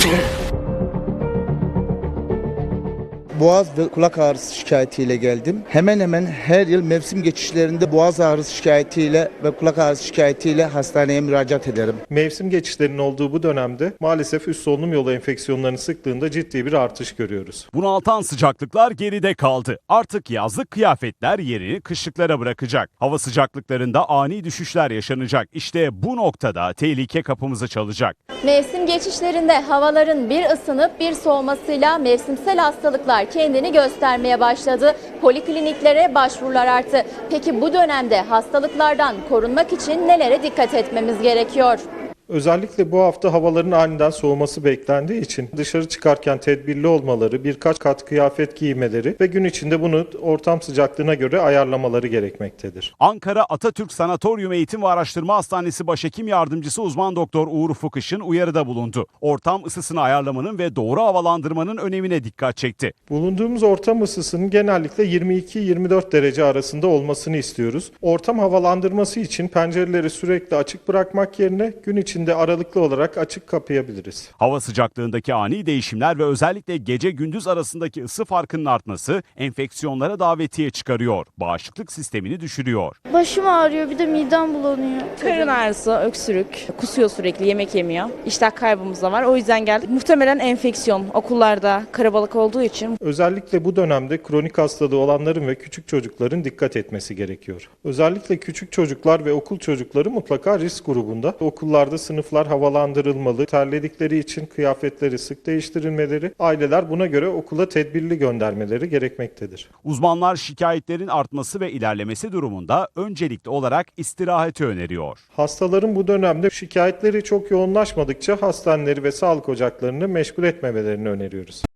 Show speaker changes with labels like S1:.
S1: Boğaz ve kulak ağrısı şikayetiyle geldim. Hemen hemen her yıl mevsim geçişlerinde boğaz ağrısı şikayetiyle ve kulak ağrısı şikayetiyle hastaneye müracaat ederim.
S2: Mevsim geçişlerinin olduğu bu dönemde maalesef üst solunum yolu enfeksiyonlarının sıklığında ciddi bir artış görüyoruz.
S3: Bunaltan sıcaklıklar geride kaldı. Artık yazlık kıyafetler yerini kışlıklara bırakacak. Hava sıcaklıklarında ani düşüşler yaşanacak. İşte bu noktada tehlike kapımızı çalacak.
S4: Mevsim geçişlerinde havaların bir ısınıp bir soğumasıyla mevsimsel hastalıklar kendini göstermeye başladı. Polikliniklere başvurular arttı. Peki bu dönemde hastalıklardan korunmak için nelere dikkat etmemiz gerekiyor?
S2: Özellikle bu hafta havaların aniden soğuması beklendiği için dışarı çıkarken tedbirli olmaları, birkaç kat kıyafet giymeleri ve gün içinde bunu ortam sıcaklığına göre ayarlamaları gerekmektedir.
S3: Ankara Atatürk Sanatoryum Eğitim ve Araştırma Hastanesi Başhekim Yardımcısı Uzman Doktor Uğur Ufuk Işın uyarıda bulundu. Ortam ısısını ayarlamanın ve doğru havalandırmanın önemine dikkat çekti.
S2: Bulunduğumuz ortam ısısının genellikle 22-24 derece arasında olmasını istiyoruz. Ortam havalandırması için pencereleri sürekli açık bırakmak yerine gün içinde aralıklı olarak açık kapayabiliriz.
S3: Hava sıcaklığındaki ani değişimler ve özellikle gece gündüz arasındaki ısı farkının artması enfeksiyonlara davetiye çıkarıyor. Bağışıklık sistemini düşürüyor.
S5: Başım ağrıyor, bir de midem bulanıyor.
S6: Karın ağrısı, öksürük, kusuyor sürekli, yemek yemiyor. İştah kaybımız da var. O yüzden geldik. Muhtemelen enfeksiyon. Okullarda karabalık olduğu için.
S2: Özellikle bu dönemde kronik hastalığı olanların ve küçük çocukların dikkat etmesi gerekiyor. Özellikle küçük çocuklar ve okul çocukları mutlaka risk grubunda. Okullarda sınıflar havalandırılmalı, terledikleri için kıyafetleri sık değiştirilmeleri, aileler buna göre okula tedbirli göndermeleri gerekmektedir.
S3: Uzmanlar şikayetlerin artması ve ilerlemesi durumunda öncelikli olarak istirahati öneriyor.
S2: Hastaların bu dönemde şikayetleri çok yoğunlaşmadıkça hastaneleri ve sağlık ocaklarını meşgul etmemelerini öneriyoruz.